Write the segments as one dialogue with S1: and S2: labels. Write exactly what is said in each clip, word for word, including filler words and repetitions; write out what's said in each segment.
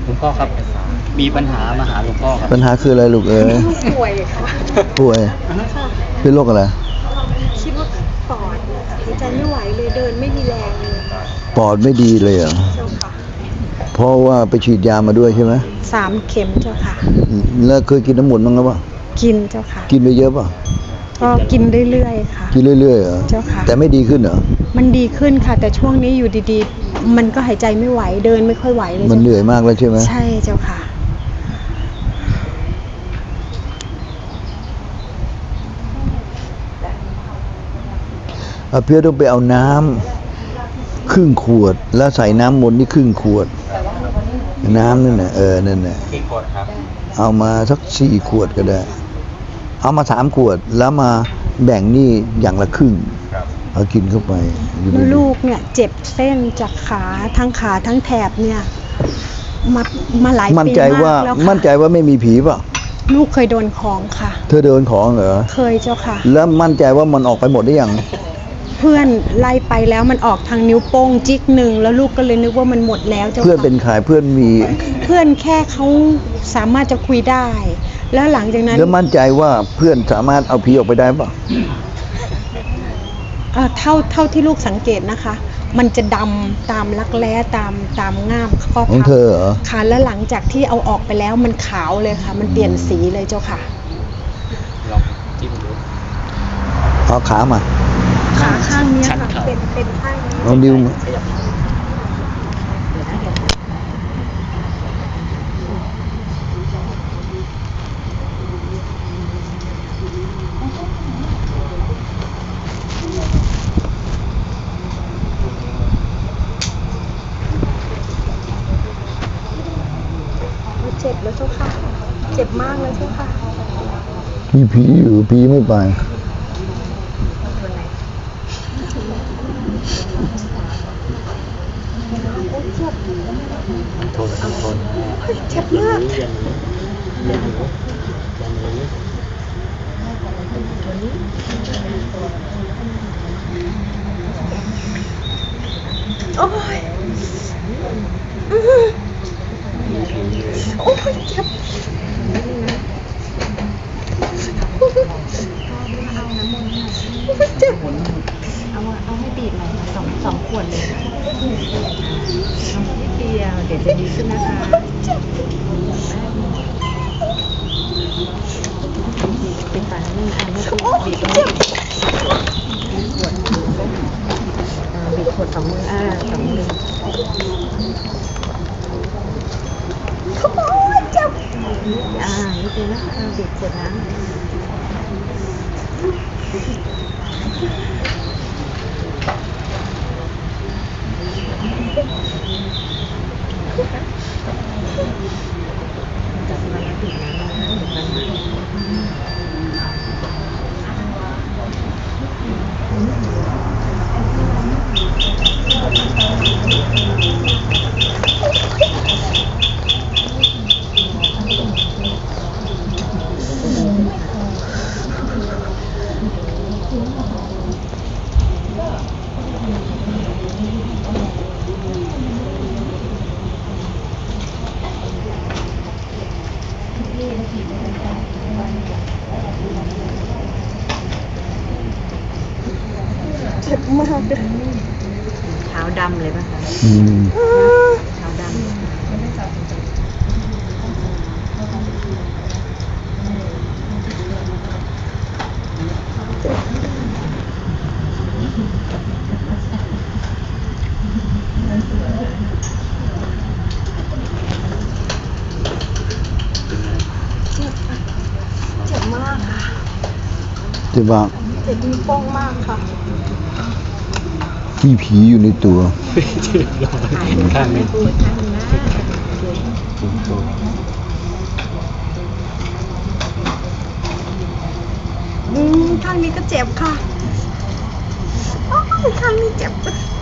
S1: ลวงพ่อครับมีปัญหามาหาหลวงพ่อครับ
S2: ปัญหาคืออะไรลูกเอ๋ย
S3: ป่วยค่ะ
S2: ป่วยเป็นโรคอะไร
S3: คิดว่าปอดหายใจไม่ไหวเลยเดินไม่มีแรงเลย
S2: ปอดไม่ดีเลยเหรอ
S3: เจ้าค่ะ
S2: เพราะว่าไปฉีดยามาด้วยใช่ไหม
S3: สามเข็มเจ้าค่ะ
S2: แล้วเคยกินน้ำมนต์บ้างหรือเปล่า
S3: กินเจ้าค่ะ
S2: กินไปเยอะป่ะ
S3: ก็กินเรื่อยๆค่ะ
S2: กินเรื่อยๆเหรอ
S3: เจ้าค่ะ
S2: แต่ไม่ดีขึ้นเหรอ
S3: มันดีขึ้นค่ะแต่ช่วงนี้อยู่ดีๆมันก็หายใจไม่ไหวเดินไม่ค่อยไหวเลย
S2: มันเหนื่อยมากแล้วใช่ไหม
S3: ใช่เจ้าค่ะ
S2: อาเพียต้องไปเอาน้ำครึ่งขวดแล้วใส่น้ำมนต์นี่ครึ่งขวดน้ำนั่นน่ะเออนั่นน่ะ
S1: กี่ขวดครับ
S2: เอามาสักสี่ขวดก็ได้เอามาสามขวดแล้วมาแบ่งนี่อย่างละครึ่งเอากินเข้าไป
S3: ลูกเนี่ยเจ็บเส้นจากขาทั้งขาทั้งแถบเนี่ยมามาหลายปีมากแล้วค่ะ
S2: มั่นใจว่าไม่มีผีป่ะ
S3: ลูกเคยโดนของค่ะ
S2: เธอโดนของเหรอ
S3: เคยเจ้าค่ะ
S2: แล้วมั่นใจว่ามันออกไปหมดได้ยัง
S3: เพื่อนไล่ไปแล้วมันออกทางนิ้วโป้งจิ๊กหนึ่งแล้วลูกก็เลยนึกว่ามันหมดแล้วเจ้าค่ะ
S2: เพื่อนเป็นใครเพื่อนมี
S3: เพื่อนแค่เขาสามารถจะคุยได้แล้วหลังจากนั้น
S2: แล้วมั่นใจว่าเพื่อนสามารถเอาผีออกไปได้ป่ะ
S3: เอ่อเท่าเท่าที่ลูกสังเกตนะคะมันจะดำตามรักแร้ตามตามง่ามข้อ
S2: ของเธอเหรอ
S3: ค่ะแล้วหลังจากที่เอาออกไปแล้วมันขาวเลยค่ะมันเปลี่ยนสีเลยเจ้าค่ะ
S1: ลองจิ้มดู
S2: เอาขามา
S3: ขาข้างนี้ค่ะเป็นเป็นข้างนี้
S2: ลองดิ้วมา
S3: เจ็บแล้วเจ้าค่ะเจ็บมากเลยเจ้าค่ะ
S2: มีผีอยู่ผีไม่ไป
S1: ทนทน
S3: เจ็บมากโอ้ยโอ้ยเจ็บเจ็บ
S4: เอาเอาให้บีบหน่อยสองสองขวดเลยเอานิดเดียวเดี๋ยวจะดีขึ้นนะคะเป็นฝาหนึ่งอันนี้บีบตรงนี้บีบขวดบีบขวดสองมืออ่าสองมืออ่านิดเดียวนะคะบีบขวดน้ำจับมันบีบน้ำนะคะบีบมัน
S3: เจ็บมากเลย
S4: เท้าดำเลยป่ะคะเท้าดำ
S3: เจ็บมากค่ะ
S2: เจ็บมาก
S3: เจ็บนิ้วโป้งมากค่ะ
S2: มีผีอยู่ในตัว
S1: ข้างนี้
S3: อืมข้างนี้ก็เจ็บค่ะอ๋อข้างนี้เจ็บ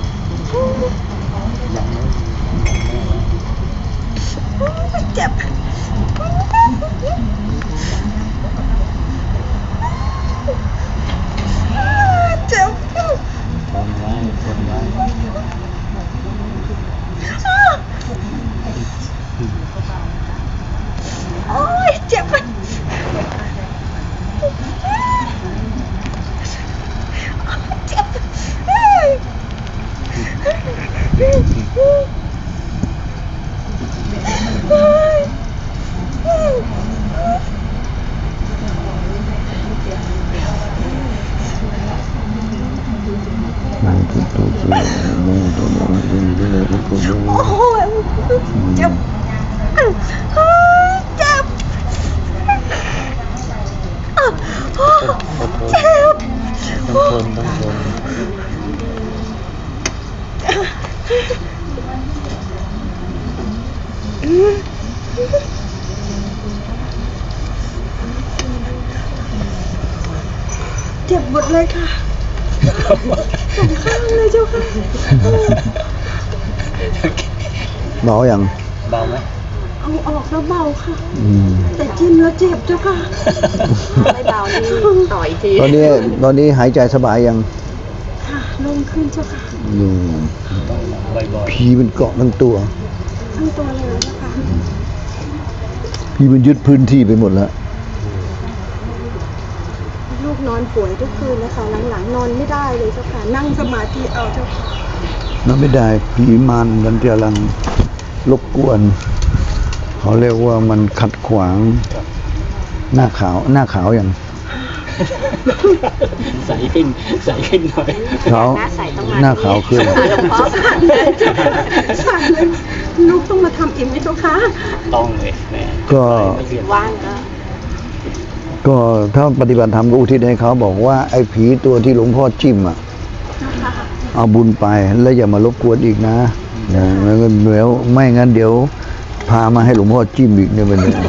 S3: เจ็บเจ็บ
S1: ทนไว้ทนไว้
S3: เจ็บหมดเลยค่ะสองข้างเลยเจ้าค่ะ
S2: เบาอย่าง
S1: เบาไหม
S3: เอาออกแล้วเบาค่ะ
S2: อืม
S3: แต่จิ้มแล้วเจ็บเจ้าค่ะ
S4: ไม่เบานี่ต่ออีกที
S2: ตอนนี้ตอนนี้หายใจสบายยัง
S3: ค่ะลงขึ้นเจ้าค่ะ
S2: อืม
S1: ต้องบ่อย
S2: ผีมันเกาะทั้งตัว
S3: ทั้งตัวเลยเจ้าค่ะ
S2: ผีมันยึดพื้นที่ไปหมดแล้ว
S3: ลูกนอนป่วยทุกคืนนะคะหลังๆนอนไม่ได้เลยเจ้าค่ะนั่งสมาธิเอาเจ้าค่ะ
S2: นั่นไม่ได้ผีมันมันกำลังรบกวน เขาเรียกว่ามันขัดขวาง หน้าขาวหน้าขาวอย่าง
S1: ๆใสขึ้นใสขึ้นหน่อย
S2: ขาว
S4: หน้าใสต้องมา
S2: หน้าขาวขึ้น
S4: หลวงพ่อสั่นเลย
S3: สั่นเลยลูกต้องมาทำเองไหมเจ้าค่ะ
S1: ต้องเลยแม่
S2: ก็
S1: ไม่เรียน
S4: ว่างก็
S2: ก็ถ้าปฏิบัติธรรมก็อุทิศให้เขาบอกว่าไอ้ผีตัวที่หลวงพ่อจิ้มอ่ะ เอาบุญไปแล้วอย่ามารบกวนอีกนะนะแล้วก็เดี๋ยวไม่งั้นเดี๋ยว พามาให้หลวงพ่อจิ้มอีกเนี่ยมันเนี่ย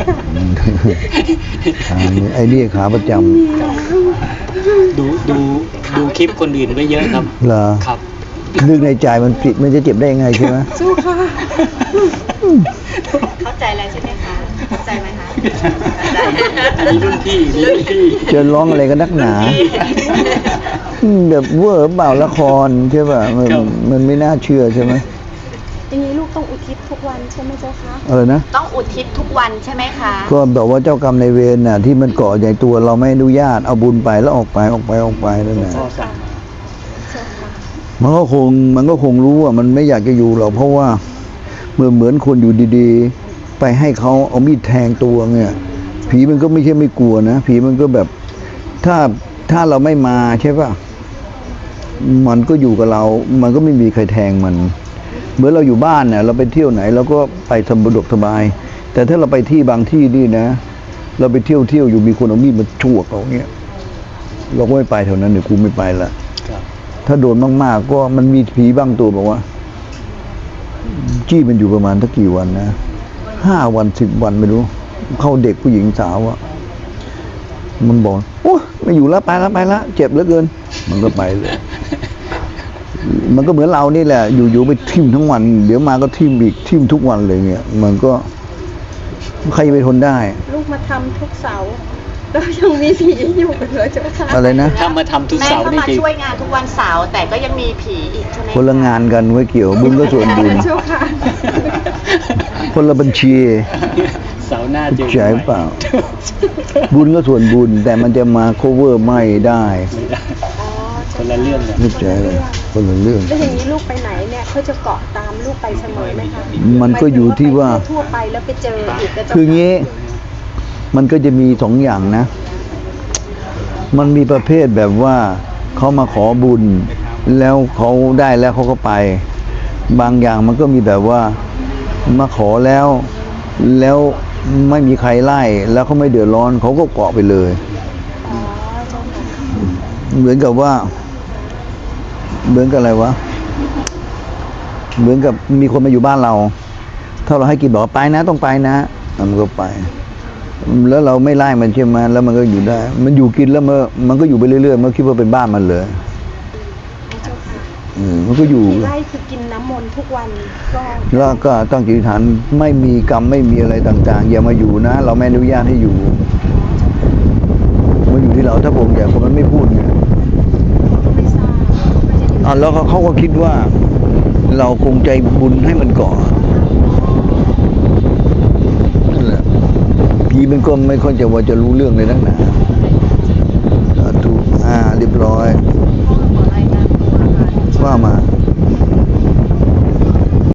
S2: ขานี่ไอ้นี่ขาประจ
S1: ดูดูดูคลิปคนอื่นไปเยอะครับ
S2: ำเหรอ
S1: ครับ
S2: นึกในใจมันผิดมันจะเจ็บได้ยังไงใช่ไหม
S3: เจ้าค่ะ
S4: เข้าใจแล้วใช่ไหมคะ เข้าใจไหมคะเข้าใจ
S1: นี่รุ่นพี่นี่รุ่นพี่
S2: จะร้องอะไรกันนักหนาอืมแบบเวอร์เปล่าละครใช่ป่ะมันมันไม่น่าเชื่อใช่ไหม
S3: อย่างนี้ลูกต้องอุทิศทุกวันใช่ไหมเจ้าคะ
S2: อะไรนะ
S4: ต้องอุทิศทุกวันใช่ไหมคะ
S2: ก็แบบว่าเจ้ากรรมในายเวรน่ะที่มันเกาะใหญ่ตัวเราไม่อนุญาตเอาบุญไปแล้วออกไปออกไปออกไปนั่นแหละ
S1: พ่อสั่งมา
S3: เจ้าค่ะ
S2: มันก็คงมันก็คงรู้ว่ามันไม่อยากจะอยู่หรอกเพราะว่าเมื่อเหมือนคนอยู่ดีๆ ไปให้เขาเอามีดแทงตัวเนี่ยผีมันก็ไม่ใช่ไม่กลัวนะผีมันก็แบบถ้าถ้าเราไม่มาใช่ป่ะมันก็อยู่กับเรา มันก็ไม่มีใครแทงมัน เหมือนเราอยู่บ้านเนี่ยเราไปเที่ยวไหนเราก็ไปสบายสบาย แต่ถ้าเราไปที่บางที่นี่นะ เราไปเที่ยวเที่ยวอยู่มีคนเอามีดมาฉวกเราเงี้ยเราก็ไม่ไปแถวนั้นเดี๋ยวกูไม่ไปละ
S1: ครับ
S2: ถ้าโดนมากๆก็มันมีผีบางตัวบอกว่า จี้มันอยู่ประมาณสักกี่วันนะห้าวันสิบวันไม่รู้ เข้าเด็กผู้หญิงสาวอะมันบอกโอ้ไม่อยู่แล้วไปแล้วไปแล้วเจ็บเหลือเกิน มันก็ไปเลย มันก็เหมือนเรานี่แหละ อยู่ๆไปทิ่มทั้งวัน เดี๋ยวมาก็ทิ่มอีกทิ่มทุกวันเลยเนี่ยมันก็ใครจะไปทนได้
S3: ลูกมาทำทุกเสาร์แล้วยังมีผีอยู่เลยเจ้าค่ะ
S2: อะไรนะ
S1: ถ้ามาทำทุก
S4: แม่
S1: เสาร์
S4: ก็
S1: นี่
S4: มา
S1: จริง
S4: ช่วยงานทุกวันเสาร์แต่ก็ยังมีผีอีกใช่ไหม
S2: คนละงานกันไว้เกี่ยว บุญก็ส่วนบุญ
S3: เจ้าค่ะ
S2: คนละบัญชี
S1: เสาร์หน้าเจอ
S2: ใช่เปล่า บุญก็ส่วนบุญ แต่มันจะมา cover ไม่ได้
S1: ไม่ได้
S3: อ๋อ
S1: คนละเรื่องเลย
S2: ไม่ใช่เลยคนละเรื่อง
S3: แล้วอย่างนี้ลูกไปไหนเนี่ยเขาจะเกาะตามลูกไปเสมอไหมคะ
S2: มันก็อยู่ที่ว่า
S3: ไปทั่วไปแล้วไปเจออีกแล้วเจ้า
S2: คือ
S3: ค่ะ
S2: งี้ มันก็จะมีสองอย่างนะ มันมีประเภทแบบว่าเขามาขอบุญ แล้วเขาได้แล้วเขาก็ไป บางอย่างมันก็มีแบบว่ามาขอแล้ว แล้วไม่มีใครไล่ แล้วเขาไม่เดือดร้อนเขาก็เกาะไปเลย
S3: อ๋อเจ้าค่ะ
S2: เหมือนกับว่า เหมือนกับอะไรวะ เหมือนกับมีคนมาอยู่บ้านเรา ถ้าเราให้กินบอกว่าไปนะต้องไปนะมันก็ไป แล้วเราไม่ไล่มันใช่ไหมแล้วมันก็อยู่ได้ มันอยู่กินแล้วมันมันก็อยู่ไปเรื่อยๆมันคิดว่าเป็นบ้านมันเลย
S3: เจ้าค่ะ
S2: อืมมันก็อยู่
S3: ไล่คือกินน้ำมนต์ทุกวันก็
S2: แล้วก็ตั้งจิตอธิษฐานไม่มีกรรมไม่มีอะไรต่าง ๆ อย่ามาอยู่นะ เราไม่อนุญาตให้อยู่มันอยู่ที่เราถ้าผมอยากคนมันไม่พูดไง
S3: ก็ไม่ทราบก็จะอยู่
S2: อ่ะแล้วเขาเขาก็คิดว่า เราคงใจบุญให้มันก่อนนั่นแหละผีมันก็ไม่ค่อยจะว่าจะรู้เรื่องเลยนักหนา